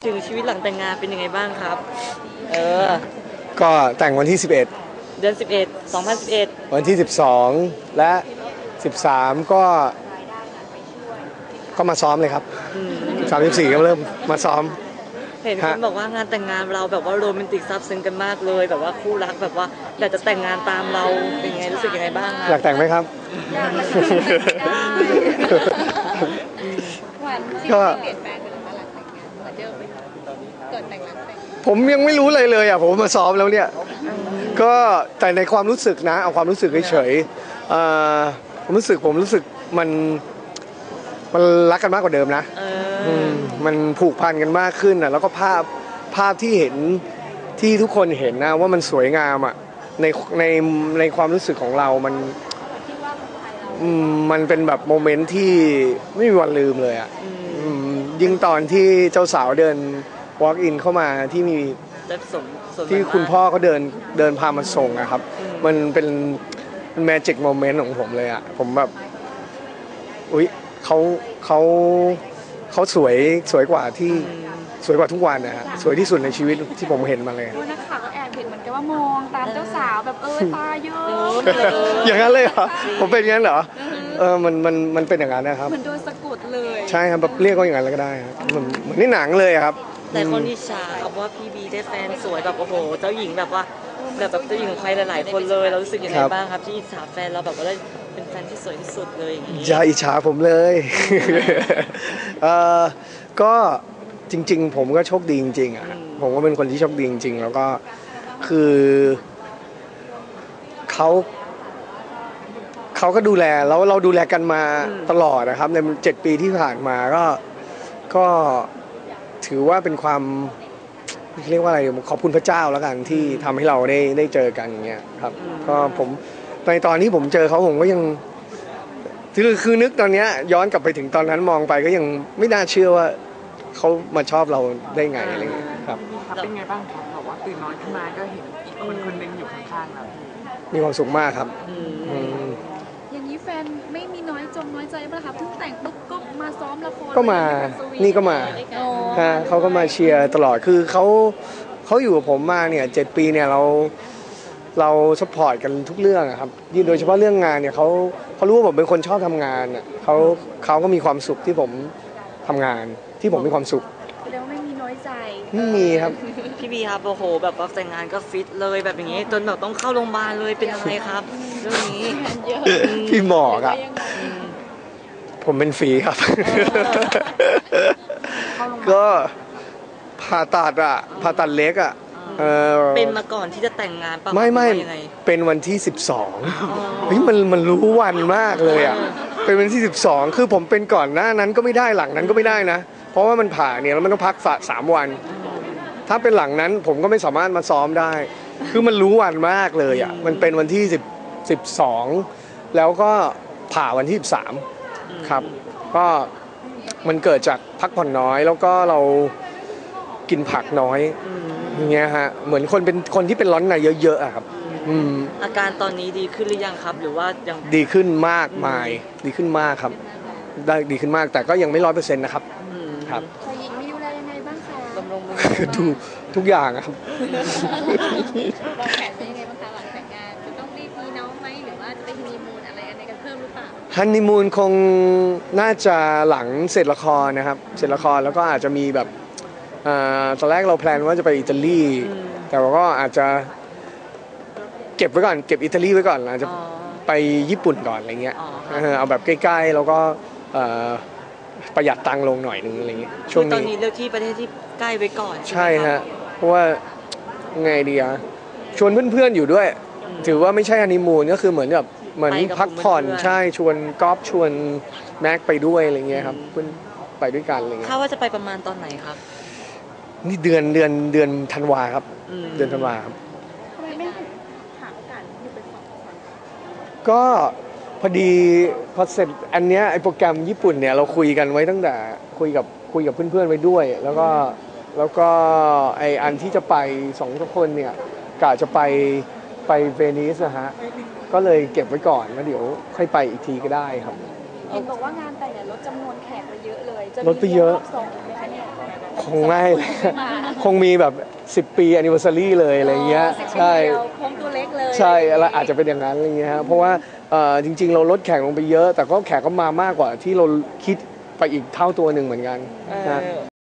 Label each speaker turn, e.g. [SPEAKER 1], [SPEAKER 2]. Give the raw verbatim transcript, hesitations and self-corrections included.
[SPEAKER 1] ถึงชีวิตหลังแต่งงานเป็นยังไงบ้างครับเออ
[SPEAKER 2] ก็แต่งวันที่สิบเอ็ด
[SPEAKER 1] เดือนสิบเอ็ด สองพันสิบเอ็ด
[SPEAKER 2] วันที่สิบสองและสิบสามก็ก็มาซ้อมเลยครับสิบสาม สิบสี่ก็เริ่มมาซ้อม
[SPEAKER 1] เห็นคนบอกว่างานแต่งงานเราแบบว่าโรแมนติกซับซึ้งกันมากเลยแบบว่าคู่รักแบบว่าอยากจะแต่งงานตามเราเป็นไงรู้สึกยังไงบ้างครับ
[SPEAKER 2] อยากแต่งไหมครับก็เปลี่ยนแปลงไปหลังแต่งงานเหมือนเดิมไหมเกิดแต่งหลังแต่งผมยังไม่รู้เลยเลยอ่ะผมมาซ้อมแล้วเนี่ยก็แต่ในความรู้สึกนะเอาความรู้สึกเฉยๆผมรู้สึกผมรู้สึกมันมันรักกันมากกว่าเดิมนะมันผูกพันกันมากขึ้นอ่ะแล้วก็ภาพภาพที่เห็นที่ทุกคนเห็นนะว่ามันสวยงามอ่ะในในในความรู้สึกของเรามันมันเป็นแบบโมเมนต์ที่ไม่มีวันลืมเลยอ่ะยิ่งตอนที่เจ้าสาวเดิน walk in เข้ามาที่มีที่คุณพ่อเขาเดินเดินพามาส่งอะครับมันเป็นแมจิกโมเมนต์ของผมเลยอ่ะผมแบบอุ๊ยเขาเขาเขาสวยสวยกว่าที่สวยกว่าทุกวันนะฮะสวยที่สุดในชีวิตที่ผมเห็นมาเลย
[SPEAKER 3] นักข่าวก็แอบเห็นเหมือนกันว่ามองตามเจ้าสาวแบบเออตาเยอะ
[SPEAKER 2] อย่างนั้นเลยเหรอผมเป็นอย่างนั้นเหรอเออมันมันมันเป็นอย่างนั้นนะครับ
[SPEAKER 3] เหมือนโดนสะกดเลย
[SPEAKER 2] ใช่ครับแบบเรียกว่าอย่างนั้นก็ได้ครับเหมือนเหมือนในหนังเลยครับ
[SPEAKER 1] แต่คนอิจฉาครับว่าพี่บีได้แฟนสวยแบบโอ้โหเจ้าหญิงแบบว่าแบบแบบเจ้าหญิงของใครหลายๆคนเลยเรารู้สึกยังไงบ้างครับที่อิจฉาแฟนเราแบบว่าได้เป็นแฟนที่สวยที่สุดเลยอย่างนี้
[SPEAKER 2] อย่าอิจฉาผมเลยเออก็จริงๆผมก็โชคดีจริงๆอ่ะผมก็เป็นคนที่โชคดีจริงๆแล้วก็คือเขาเขาก็ดูแลแล้วเราดูแลกันมาตลอดนะครับในเจ็ดปีที่ผ่านมาก็ก็ถือว่าเป็นความเรียกว่าอะไรขอบคุณพระเจ้าแล้วกันที่ทำให้เราได้ได้เจอกันอย่างเงี้ยครับก็ผมในตอนที่ผมเจอเขาผมก็ยังคือคือนึกตอนนี้ย้อนกลับไปถึงตอนนั้นมองไปก็ยังไม่น่าเชื่อว่าเขามาชอบเราได้ไงอะไรเงี้ยครับ
[SPEAKER 4] เป็นไงบ้างครับบอกว่าตื่นนอนขึ้นมาก็เห็นอีกคนคนนึงอยู่ข้างๆเรา
[SPEAKER 2] มีความสุขมากครับ
[SPEAKER 3] อย่างนี้แฟนไม่มีน้อยจงน้อยใจป่ะครับเพิ่งแต่งปุ๊บก็มาซ้อมละคร
[SPEAKER 2] ก็มานี่ก็มาฮะเขาก็มาเชียร์ตลอดคือเขาเขาอยู่กับผมมาเนี่ยเจ็ดปีเนี่ยเราเราซัพพอร์ตกันทุกเรื่องครับยิ่งโดยเฉพาะเรื่องงานเนี่ยเขาเขารู้ว่าผมเป็นคนชอบทำงานอ่ะเขาเขาก็มีความสุขที่ผมทำงานที่ผมมีความสุข
[SPEAKER 3] แล้วไม่มีน้อยใจ
[SPEAKER 2] ไม่มีครับ
[SPEAKER 1] พี่บีครับโอ้โหแบบว่าแต่งงานก็ฟิตเลยแบบอย่างนี้จนแบบต้องเข้าโรงพยาบาลเลยเป็นอะไรครับเรื่องนี้
[SPEAKER 2] พี่หมอครับผมเป็นฝีครับก็ผ่าตัดอ่ะผ่าตัดเล็กอ่ะ
[SPEAKER 1] เป็นมาก่อนที่จะแต่งงานป่ะ
[SPEAKER 2] ไม่ไม่เป็นวันที่สิบสองเฮ้ยมันมันรู้วันมากเลยอ่ะเป็นวันที่สิบสองคือผมเป็นก่อนหน้านั้นก็ไม่ได้หลังนั้นก็ไม่ได้นะเพราะว่ามันผ่าเนี่ยแล้วมันต้องพักฝาสามวันถ้าเป็นหลังนั้นผมก็ไม่สามารถมาซ้อมได้คือมันรู้วันมากเลยอ่ะมันเป็นวันที่สิบสิบสองแล้วก็ผ่าวันที่สิบสามครับก็มันเกิดจากพักผ่อนน้อยแล้วก็เรากินผักน้อยอย่างเงี้ยฮะเหมือนคนเป็นคนที่เป็นร้อนในเยอะๆอะครับ
[SPEAKER 1] อาการตอนนี้ดีขึ้นหรือยังครับหรือว่ายัง
[SPEAKER 2] ดีขึ้นมากมายดีขึ้นมากครับได้ดีขึ้นมากแต่ก็ยังไม่ร้อยเปอร์เซ็นต์นะครับครับ
[SPEAKER 3] ฝ่ายหญิงมีดูแลยังไงบ้างคะ
[SPEAKER 1] บำรุง
[SPEAKER 2] ดูทุกอย่างครับ
[SPEAKER 3] วางแผนเป็นยังไงบ้างคะหลังแต่งงานจะต้องรีบมีน้องไหมหรือว่าจะไปฮันนีมูนอะไรอะไรกันเพิ่มหรือเปล่า
[SPEAKER 2] ฮันนีมูนคงน่าจะหลังเสร็จละครนะครับเสร็จละครแล้วก็อาจจะมีแบบตอนแรกเราแพลนว่าจะไปอิตาลีแต่ว่าก็อาจจะเก็บไว้ก่อนเก็บอิตาลีไว้ก่อนอาจจะไปญี่ปุ่นก่อนอะไรเงี้ยเอาแบบใกล้ๆแล้วก็ประหยัดตังค์ลงหน่อยนึงอะไรเงี้ย
[SPEAKER 1] ช่วงนี้ตอนนี้เลือกที่ประเทศที่ใกล้ไว้ก่อน
[SPEAKER 2] ใช่ฮะเพราะว่าไงดีอะชวนเพื่อนๆอยู่ด้วยถือว่าไม่ใช่ฮันนีมูนก็คือเหมือนแบบเหมือนพักผ่อนใช่ชวนก๊อฟชวนแม็กไปด้วยอะไรเงี้ยครับเพื่อนไปด้วยกันอะไรเงี้ย
[SPEAKER 1] ถ้าว่าจะไปประมาณตอนไหนครับ
[SPEAKER 2] นี่เดือนเดือนเดือนธันวาครับเดือนธันวาครับ
[SPEAKER 3] ทำไมไม่หาโอกาสอยู่ไปสองคน
[SPEAKER 2] ก็พอดีพอเสร็จอันเนี้ยไอโปรแกรมญี่ปุ่นเนี่ยเราคุยกันไว้ตั้งแต่คุยกับคุยกับเพื่อนๆไว้ด้วยแล้วก็แล้วก็ไออันที่จะไปสองคนเนี่ยกะจะไปไปเวนิสนะฮะก็เลยเก็บไว้ก่อนแล้วเดี๋ยวค่อยไปอีกทีก็ได้ครับ
[SPEAKER 3] เห็นบอกว่างานแต่งเนี่ยลดจำนวนแขกไปเยอะเลย
[SPEAKER 2] ลดไปเยอะ
[SPEAKER 3] สองไหมคะเนี่ย
[SPEAKER 2] คงไม่ คงมีแบบสิบปี anniversary เลยอะไรเงี้ยใช่
[SPEAKER 3] โค้งตัวเล็กเลย
[SPEAKER 2] ใช่แล้วอาจจะเป็นอย่างนั้นอะไรเงี้ยฮะเพราะว่าเอ่อจริง ๆ เราลดแขกลงไปเยอะ แต่ก็แขกก็มามากกว่าที่เราคิดไปอีกเท่าตัวหนึ่งเหมือนกัน
[SPEAKER 1] เอ
[SPEAKER 2] นะ
[SPEAKER 1] อ